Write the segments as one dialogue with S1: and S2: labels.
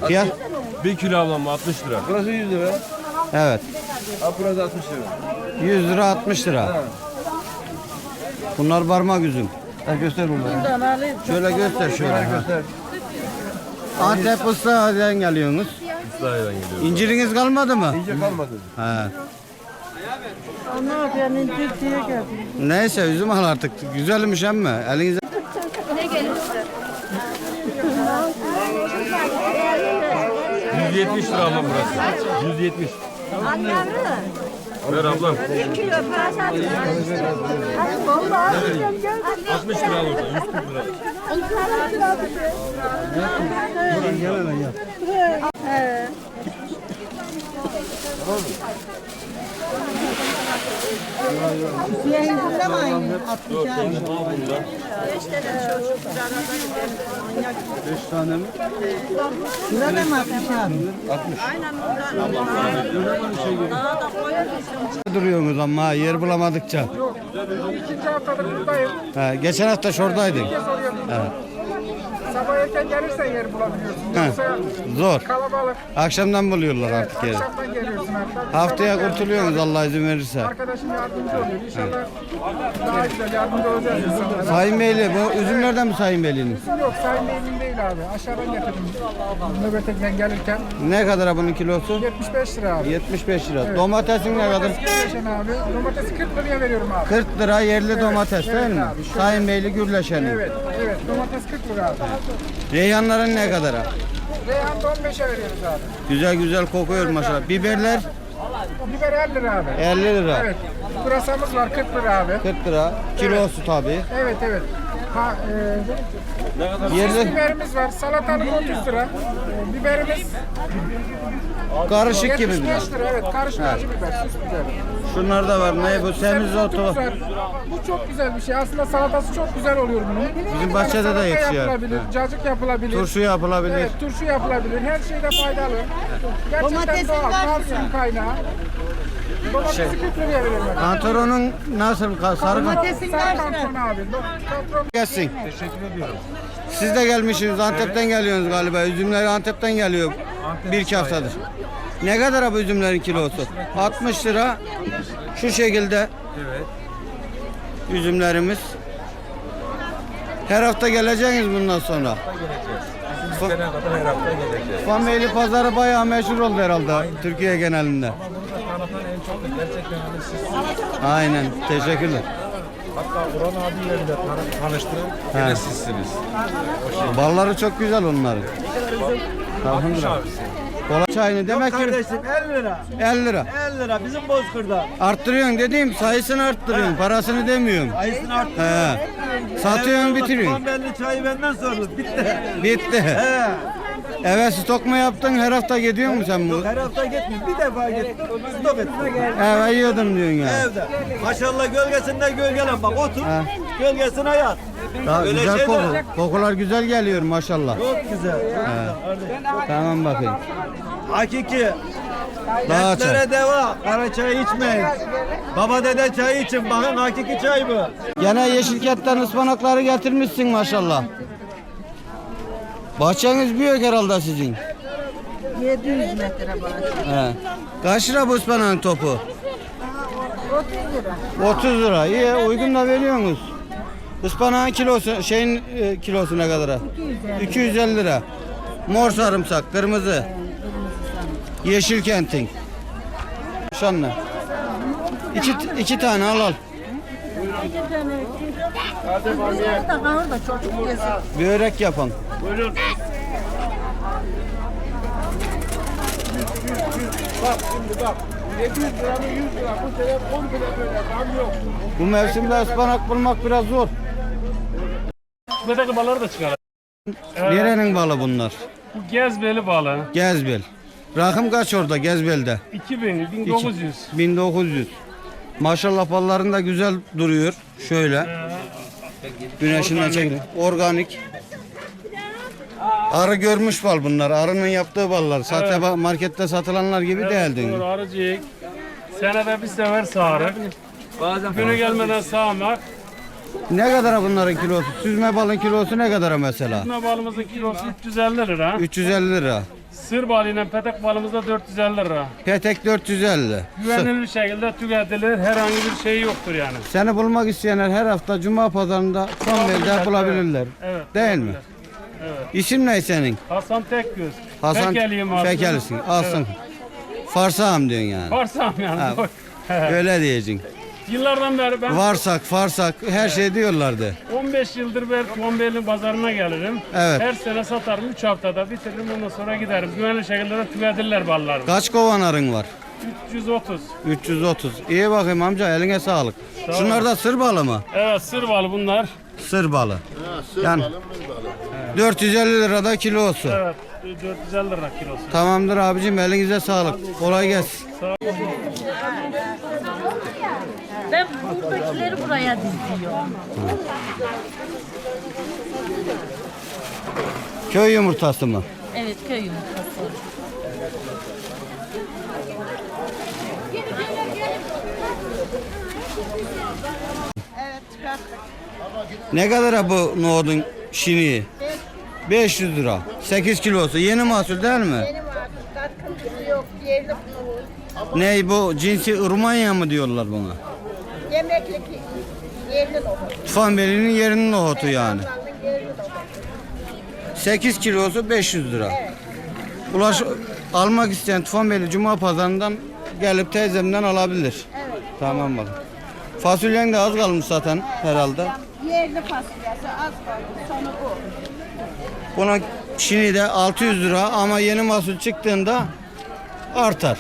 S1: Fiyat?
S2: 1 kilo ablam 60 lira.
S3: Burası 100 lira.
S1: Evet.
S3: Abi burası 60 lira.
S1: 100 lira 60 lira. Bunlar parmak üzüm.
S3: Ha, göster bunları.
S1: Şöyle göster şöyle. Ha.
S3: Göster.
S1: Antep Islahiye'den geliyorsunuz.
S2: İslahiye'den geliyoruz.
S1: İnciriniz kalmadı mı?
S3: İnce kalmadı.
S1: He.
S4: Ama ben incir diye geldim.
S1: Neyse üzüm al artık. Güzelmiş ama elinize.
S5: Ne gelirse.
S2: 170 lira ablam burası. 170.
S5: Anlarım.
S2: Ver ablam.
S5: 1 kilo parası atacağım. Vallahi atacağım.
S2: 60 lira ablam. 140 lira.
S4: Siyahında mı aynı? 60 aynı.
S1: 5 tane mi?
S4: Burada mı 60 abi?
S1: Duruyorsunuz ama yer bulamadıkça.
S6: İkinci haftadır buradayım.
S1: He, geçen hafta şuradaydık. Evet.
S6: Sabah erken gelirsen yer bulabiliyorsun.
S1: He,
S6: Yoksa
S1: zor.
S6: kalabalık.
S1: Akşamdan buluyorlar artık yeri.
S6: Akşamdan geliyorsun hatta.
S1: Haftaya kurtuluyorsunuz Allah izin verirse.
S6: Arkadaşım yardımcı oluyor. İnşallah daha güzel yardımcı olacağız insanlara.
S1: Sayın Beyli, bu üzümlerden mi Sayın Beyli'nin?
S6: Yok Sayın Bey'in değil abi. Aşağıdan getirdim. Nöbetekten gelirken.
S1: Ne kadar bunun kilosu?
S6: 75 lira abi.
S1: 75 lira. Domatesin ne kadar?
S6: Domates Gürleşen abi. Domatesi 40 liraya veriyorum abi.
S1: 40 lira yerli domates değil
S6: evet
S1: mi?
S6: abi, şöyle.
S1: Sayın Beyli Gürleşen'in.
S6: Evet. Evet. Domates 40 lira abi.
S1: Reyhanların ne kadar?
S6: Reyhan da 15'e veriyoruz abi.
S1: Güzel güzel kokuyor maşallah. Biberler
S6: Biber 50 lira abi.
S1: 50 lira.
S6: Evet. Pırasamız var 40 lira abi.
S1: 40 lira. Kilosu tabii.
S6: Evet evet. Ha,
S1: Yerli
S6: biberimiz var. Salatalık 30 lira. Biberimiz
S1: karışık gibi
S6: 75
S1: biraz.
S6: lira. Evet karışık acı biber. Süs biber.
S1: Şunlar da var. Ne bu? Semizotu.
S6: Var. Bu çok güzel bir şey. Aslında salatası çok güzel oluyor bunun.
S1: Bizim bahçede de
S6: Salata
S1: yetişiyor.
S6: yapılabilir, cacık yapılabilir.
S1: Turşu yapılabilir.
S6: Evet, turşu yapılabilir. Her şeyde faydalı. Gerçekten
S4: Domatesin
S6: doğal.
S4: kaç
S6: Kalsiyum kaynağı. Domatesi 40 liraya veriyorum.
S1: Kantaronun nasıl? Sarı
S4: Domatesin
S6: Sarı
S4: kaç lira?
S6: kantron abi. Kantron
S1: gelsin. Teşekkür ediyorum. Siz de gelmişsiniz. Antep'ten geliyorsunuz galiba. Üzümler Antep'ten geliyor. Bir iki haftadır. Ne kadar bu üzümlerin kilosu? 60 lira. Şu şekilde. Evet. Üzümlerimiz. Her hafta geleceksiniz bundan sonra. Fameli pazarı bayağı meşhur oldu herhalde Türkiye genelinde. Aynen. Teşekkürler.
S2: Hatta Orhan abiyle de tanıştırın. Yine sizsiniz.
S1: Balları çok güzel onların. Elhamdülillah. Kola çayını demek ki
S7: Kardeşim 50 lira.
S1: 50 lira.
S7: 50 lira bizim Bozkır'da.
S1: Arttırıyorsun dediğim sayısını arttırıyorsun. Parasını demiyorum.
S7: Ayısını arttı.
S1: He. Satıyorsun bitiriyorsun.
S7: Belli çayı benden sordu. Bitti.
S1: Bitti.
S7: He.
S1: Eve stok mu yaptın? Her hafta gidiyor musun sen bu?
S7: Her hafta gitmiyor. Bir defa gittim. Stop ettim.
S1: Eve yiyordum diyorsun ya.
S7: Evde. Maşallah gölgesinde gölgelen bak otur. Gölgesine yat.
S1: Daha
S7: Öyle
S1: güzel
S7: şey
S1: koku.
S7: de-
S1: Kokular güzel geliyor maşallah.
S7: Çok güzel. Çok güzel. Kardeşim.
S1: Tamam bakayım.
S7: Hakiki.
S1: Daha çay.
S7: Dertlere deva. Kara çay içmeyin. Baba dede çayı için. Bakın hakiki çay bu.
S1: Gene Yeşilkent'ten ıspanakları getirmişsin maşallah. Bahçeniz büyük herhalde sizin.
S4: 700 metre bahçe.
S1: He. Kaç lira bu ıspanağın topu?
S4: 30 lira.
S1: 30 lira. İyi uygun da veriyorsunuz. Ispanağın kilosu kilosu ne kadar? 250 lira. Mor sarımsak, kırmızı. Yeşilkent'in. Şanlı. İki tane al.
S4: 2 tane. Burada da kalır da çocuk yesin.
S1: Börek yapın.
S6: bak şimdi bak. 700 lira mı 100 lira bu sene 10 bile böyle zam yok.
S1: Bu mevsimde ıspanak bulmak biraz zor.
S8: Medaklı balığı da çıkar.
S1: Nerenin balı bunlar?
S8: Bu gezbeli balığı.
S1: Gezbel. Rakım kaç orada Gezbel'de?
S8: 2000, 1900.
S1: 1900. Maşallah balların da güzel duruyor. Şöyle. Güneşinden çekilir. Organik. Arı görmüş bal bunlar. Arının yaptığı ballar. Sahte markette satılanlar gibi değil değil mi?
S8: Doğru, arıcık. Senede bir sefer sağırık. Günü gelmeden sağmak.
S1: Ne kadar bunların kilosu? Süzme balın kilosu ne kadar mesela?
S8: Süzme balımızın kilosu 350 lira.
S1: 350 lira.
S8: Sır balıyla petek balımız da 450 lira.
S1: Petek 450.
S8: Güvenilir şekilde tüketilir. Herhangi bir şey yoktur yani.
S1: Seni bulmak isteyenler her hafta Cuma pazarında Tufanbeyli'de bulabilirler.
S8: Evet.
S1: Değil mi?
S8: Evet.
S1: İsim ne senin?
S8: Hasan Tekgöz.
S1: Hasan
S8: Fekeliyim aslında.
S1: Fekelisin. Alsın. Farsağım diyorsun yani.
S8: Farsam yani.
S1: Ha.
S8: doğru.
S1: Öyle diyeceksin.
S8: Yıllardan beri ben
S1: Varsak, farsak her şey diyorlardı.
S8: 15 yıldır ben Tufanbeyli pazarına gelirim.
S1: Evet.
S8: Her sene satarım. 3 haftada bitiririm. Ondan sonra giderim. Güvenli şekilde de tüketirler ballarımı.
S1: Kaç kovan arın var?
S8: 330.
S1: 330. İyi bakayım amca, eline sağlık. Şunlar da sır balı mı?
S8: Evet, sır balı bunlar.
S1: Sır balı. Yani 450 lirada kilosu.
S8: Evet, 450 lira kilosu.
S1: Tamamdır abicim, elinize sağlık. Kolay gelsin.
S4: Ben buradakileri buraya diziyorum.
S1: Köy yumurtası mı?
S4: Evet, köy yumurtası.
S1: Ne kadar bu nohudun şiniği? 500 lira. 8 kilosu. Yeni mahsul değil mi?
S5: Benim artık katkıntısı yok. Yerli nohut.
S1: Ne bu, cinsi Irmanya mı diyorlar buna?
S5: Yemeklik yerli nohut.
S1: Tufanbeyli'nin yerinin nohutu yani.
S5: Ablamın yerli nohut.
S1: 8 kilosu 500 lira. Almak isteyen Tufanbeyli Cuma pazarından gelip teyzemden alabilir.
S5: Evet.
S1: Tamam bak. Fasulyen de az kalmış zaten herhalde.
S5: Yerli fasulyesi az kaldı. Sonu bu.
S1: Bunun şini de 600 lira ama yeni mahsul çıktığında artar.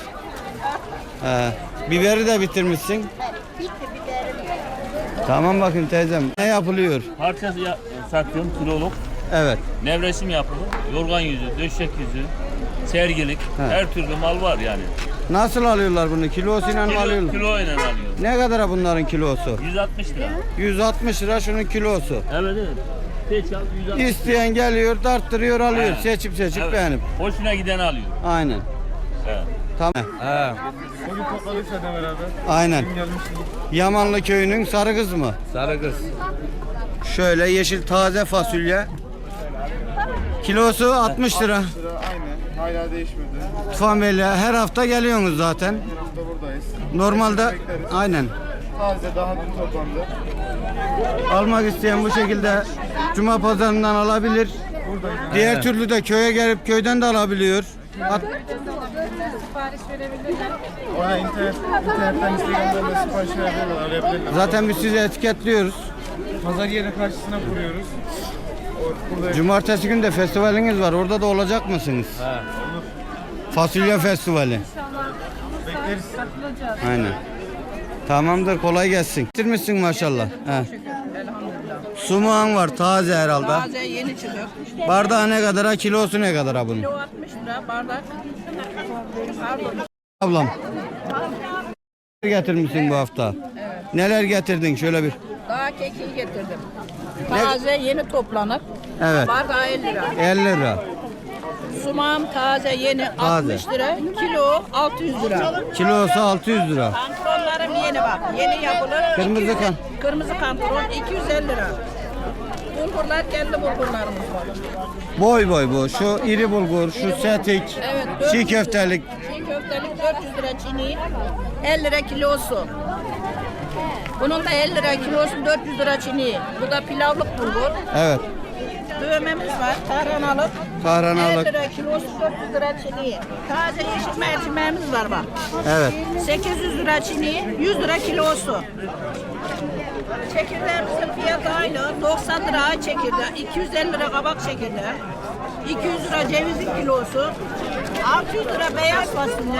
S1: Biberi de bitirmişsin.
S5: Evet. Bitti biberim.
S1: Tamam bakın teyzem. Ne yapılıyor?
S9: Parça satıyorum kiloluk.
S1: Evet.
S9: Nevresim yapılır. Yorgan yüzü, döşek yüzü, sergilik. Her türlü mal var yani.
S1: Nasıl alıyorlar bunu? Kilosuyla mı alıyorlar?
S9: Kilo ile alıyor.
S1: Ne kadar bunların kilosu?
S9: 160 lira.
S1: 160 lira şunun kilosu.
S9: Evet evet. Seç al 160.
S1: İsteyen geliyor, tarttırıyor, alıyor.
S9: He.
S1: Seçip
S9: Evet.
S1: beğenip.
S9: Hoşuna giden alıyor.
S1: Aynen.
S9: Evet.
S1: Tamam.
S2: Bugün toplanırsa da beraber.
S1: Aynen.
S2: Gelmiştik.
S1: Yamanlı köyünün sarı kız mı?
S3: Sarı kız.
S1: Şöyle yeşil taze fasulye. Kilosu 60 lira.
S6: Aynen. Hala değişmedi.
S1: Tufanbeyli her hafta geliyorsunuz zaten.
S6: Her hafta buradayız.
S1: Normalde aynen.
S6: Taze daha dün toplandı.
S1: Almak isteyen bu şekilde Cuma pazarından alabilir. Diğer türlü de köye gelip köyden de alabiliyor.
S6: Ona internetten Instagram'dan da sipariş verebilirler, arayabilirler.
S1: Zaten biz sizi etiketliyoruz.
S2: Pazar yerine karşısına kuruyoruz. Burada
S1: Cumartesi günü de festivaliniz var. Orada da olacak mısınız? Fasulye festivali.
S2: bekleriz.
S1: Aynen. Tamamdır, kolay gelsin. Bitirmişsin maşallah. He. Sumağın var taze herhalde.
S5: Taze yeni çıkıyor.
S1: Bardağı ne kadar, kilosu ne kadar bunun?
S5: Kilo 60 lira bardak. Pardon.
S1: Ablam. Getirmişsin bu hafta. Neler getirdin şöyle bir?
S5: Daha kekiği getirdim. Taze yeni toplanıp.
S1: Evet.
S5: Bardağı 50 lira.
S1: 50 lira.
S5: Sumağım taze yeni
S1: Taze.
S5: 60 lira. Kilo 600 lira.
S1: Kilosu 600 lira.
S5: Kantaronlarım yeni bak. Yeni yapılır.
S1: Kırmızı
S5: 200
S1: kan.
S5: Kırmızı kantaron 250 lira. Bulgurlar kendi bulgurlarımız var.
S1: Boy boy bu. Şu iri bulgur, şu setik,
S5: Evet.
S1: çiğ köftelik.
S5: Çiğ köftelik 400 lira çini. 50 lira kilosu. Bunun da 50 lira kilosu 400 lira çini. Bu da pilavlık bulgur.
S1: Evet.
S5: Dövmemiz var. Kahranalık.
S1: Kahranalık.
S5: 50 lira kilosu 400 lira çini. Taze yeşil mercimeğimiz var bak.
S1: Evet.
S5: 800 lira çini, 100 lira kilosu. Çekirdeğimizin fiyatı aynı. 90 lira ay çekirdeği, 250 lira kabak çekirdeği, 200 lira cevizin kilosu, 600 lira beyaz fasulye,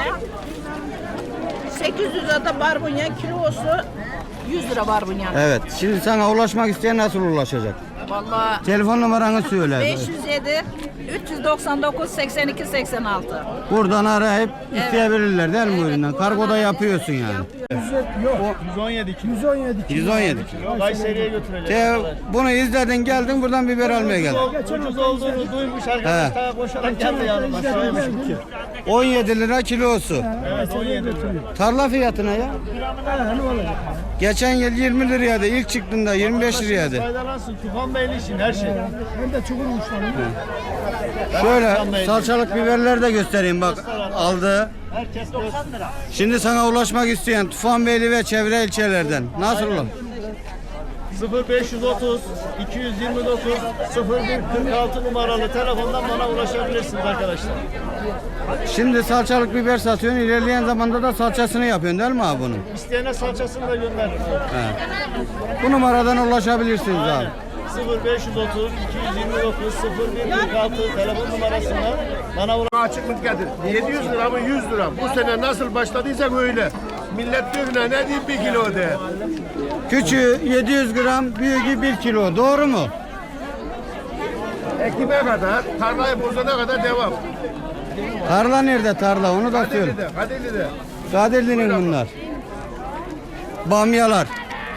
S5: 800 lira da barbunya kilosu, 100 lira barbunya.
S1: Evet. Şimdi sana ulaşmak isteyen nasıl ulaşacak?
S5: Vallahi
S1: Telefon numaranı söyle.
S5: 507 399 82 86.
S1: Buradan arayıp isteyebilirler değil mi bu üründen? Kargoda yapıyorsun yani.
S5: Yapıyorum.
S2: Yok. 117 kilo.
S1: 117 kilo.
S2: Kayseri'ye götürecek.
S1: Bunu izledin geldin buradan biber almaya geldin.
S2: Ucuz olduğunu duymuş arkadaşlar. Koşarak geldi yanıma.
S1: 17 lira kilosu.
S2: Evet 17 lira.
S1: Tarla fiyatına ya. Geçen yıl 20 liraydı. İlk çıktığında 25 liraydı.
S2: Faydalansın. Tufan Beyli için her şey. Hem de çok uçlarım.
S1: Şöyle salçalık biberleri de göstereyim bak aldı.
S2: Herkes 90 lira.
S1: Şimdi sana ulaşmak isteyen Tufanbeyli ve çevre ilçelerden nasıl olur?
S2: 0530 229 0146 numaralı telefondan bana ulaşabilirsiniz arkadaşlar.
S1: Şimdi salçalık biber satıyorsun. İlerleyen zamanda da salçasını yapıyorsun değil mi abi bunun?
S2: İsteyene salçasını da gönderirim.
S1: Bu numaradan ulaşabilirsiniz abi.
S2: 0530 229 0146 telefon numarasından bana
S6: Açıklık getir. 700 lira mı 100 lira mı? Bu sene nasıl başladıysak öyle. Millet diyor ne diyeyim 1 kilo de.
S1: Küçüğü 700 gram, büyüğü 1 kilo. Doğru mu?
S6: Ekime kadar, tarlayı bozana kadar devam.
S1: Tarla nerede tarla? Onu da söyle.
S6: Kadirli'de.
S1: Kadirli'nin bunlar. Bamyalar.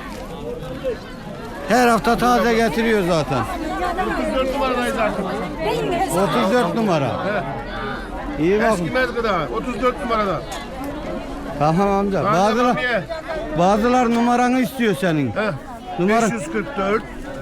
S1: Her hafta taze getiriyor zaten.
S6: 34 numaradayız artık.
S1: 34 numara. İyi bak.
S6: Eskimez gıda. 34 numarada.
S1: Tamam amca. Bazılar numaranı istiyor senin. Numara
S6: 544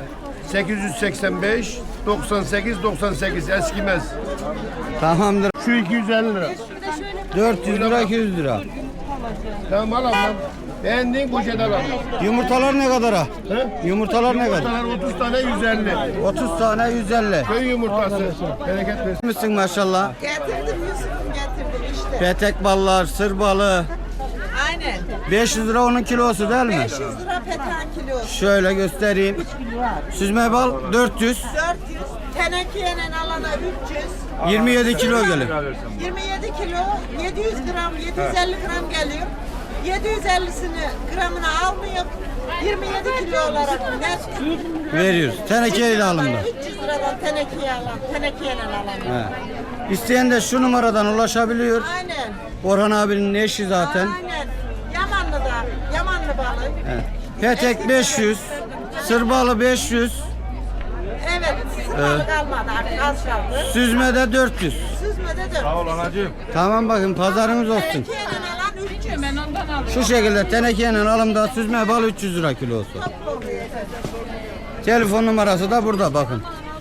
S6: 885 98 98 eskimez.
S1: tamamdır.
S6: Şu 250 lira.
S1: 400 lira 200 lira.
S6: Tamam al ablam. Beğendiğin poşet al ablam.
S1: Yumurtalar ne kadara? Yumurtalar ne kadar?
S6: Yumurtalar 30 tane 150.
S1: 30 tane 150.
S6: Köy yumurtası. Bereket versin.
S1: Misin maşallah?
S5: Getirdim Yusuf'um getirdim işte.
S1: Petek ballar, sır balı.
S5: Aynen.
S1: 500 lira onun kilosu değil mi?
S5: 500 lira petan kilosu.
S1: Şöyle göstereyim. Süzme bal 400.
S5: 400. Tenekeyle alana 300.
S1: 27 kilo gelir.
S5: 27 kilo 700 gram 750 gram geliyor. 750'sini gramına almıyor. 27 kilo olarak net
S1: Veriyoruz. Tenekeyle alımda.
S5: 300 liradan tenekeyle alan.
S1: İsteyen de şu numaradan ulaşabiliyor.
S5: Aynen.
S1: Orhan abinin eşi zaten.
S5: Aynen. Yamanlı balık.
S1: Petek 500. Sır balı 500.
S5: Evet, sırmalı kalmadı artık az kaldı.
S1: Süzme de 400.
S5: Süzmede de.
S2: Sağ ol anacığım.
S1: Tamam bakın pazarımız olsun.
S5: Tenekeyle alan 300. Ben ondan aldım.
S1: Şu şekilde tenekeyle alımda süzme bal 300 lira kilosu. Telefon numarası da burada bakın.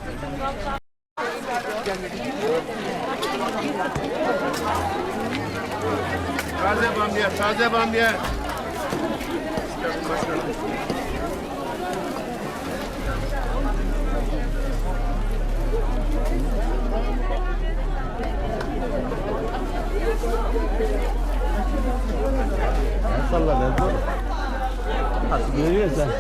S6: Taze bamya, taze bamya.
S1: Salla be. Görüyorsun sen.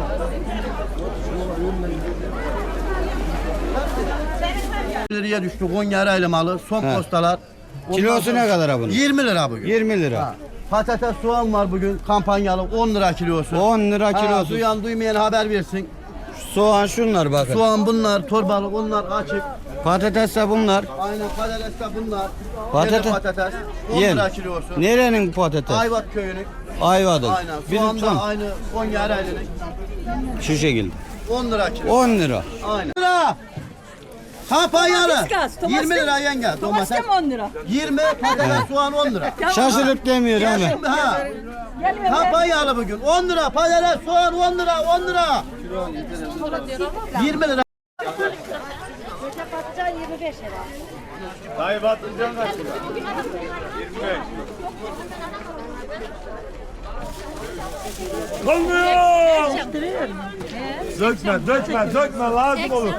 S3: Liraya düştü Konya Ereğli malı. Son
S1: He.
S3: postalar.
S1: Kilosu ne kadar abi bunun?
S3: 20 lira bugün.
S1: 20 lira.
S3: Patates soğan var bugün kampanyalı 10 lira kilosu.
S1: 10 lira
S3: Ha,
S1: kilosu.
S3: duyan duymayan haber versin.
S1: Soğan şunlar bakın.
S3: Soğan bunlar, torbalık onlar açık.
S1: Patates de bunlar.
S3: Aynen patates de bunlar.
S1: Patates-
S3: Yeni patates 10
S1: Yen.
S3: lira kilosu.
S1: Nerenin patates?
S3: Ayvat köyünün.
S1: Ayvadır.
S3: Aynen.
S1: Bizim
S3: Soğan da
S1: tam
S3: aynı Konya Ereğli'nin.
S1: şu şekilde.
S3: 10 lira kilo.
S1: 10 lira.
S3: Aynen. Lira. Kampanyalı.
S4: Domates,
S3: 20 lira yenge.
S4: Domates de mi 10 lira?
S3: 20 patates soğan 10 lira.
S1: Şaşırıp demiyor ama.
S3: Ha.
S4: Gelmiyor.
S3: Kampanyalı bugün 10 lira patates soğan 10 lira 10 lira. 20 lira.
S4: Patlıcan 25 lira.
S2: Dayı batırcan kaç lira? 25. Dökme lazım olur.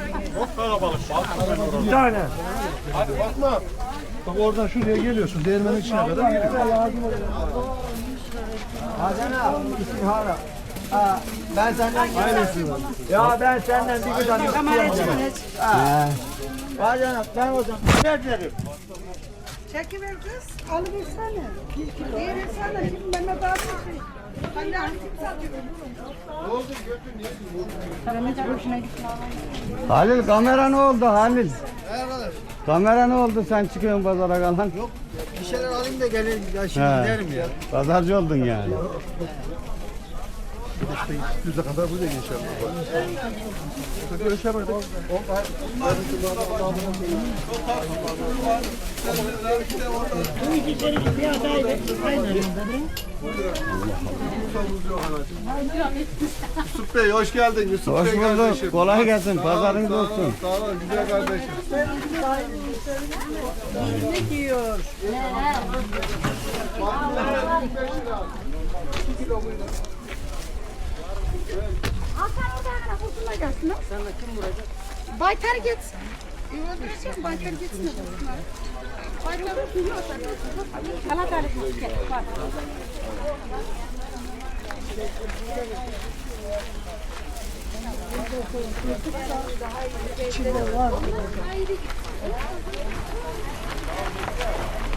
S2: Bir tane.
S6: Bakma.
S2: Bak oradan şuraya geliyorsun. Değirmenin içine kadar geliyor.
S3: Ben senden
S2: Ya ben senden bir gıdan istiyorum. Bacanak ben o zaman veririm.
S5: Çekiver kız. Alıversene. 1 kilo. Versene. Şimdi Mehmet abi.
S1: Halil kamera ne oldu Halil? Kamera ne oldu sen çıkıyorsun pazara kalan? Yok
S3: Bir şeyler alayım da gelin ya şimdi
S1: He.
S3: giderim ya.
S1: Pazarcı oldun yani.
S6: Yüze kadar burada geçer. Görüşemedik.
S2: Yusuf Bey hoş geldin. Yusuf
S1: Hoş
S2: Bey
S1: bulduk.
S2: kardeşim.
S1: Kolay gelsin. Pazarınız olsun.
S2: Sağ ol güzel kardeşim.
S4: Hasan oradan kurtula gelsin. Sen de kim vuracak? Baytar gitsin. Öldüreceğim Baytar gitsin. Baytar gitsin. Kala kalıp bak. İçinde var.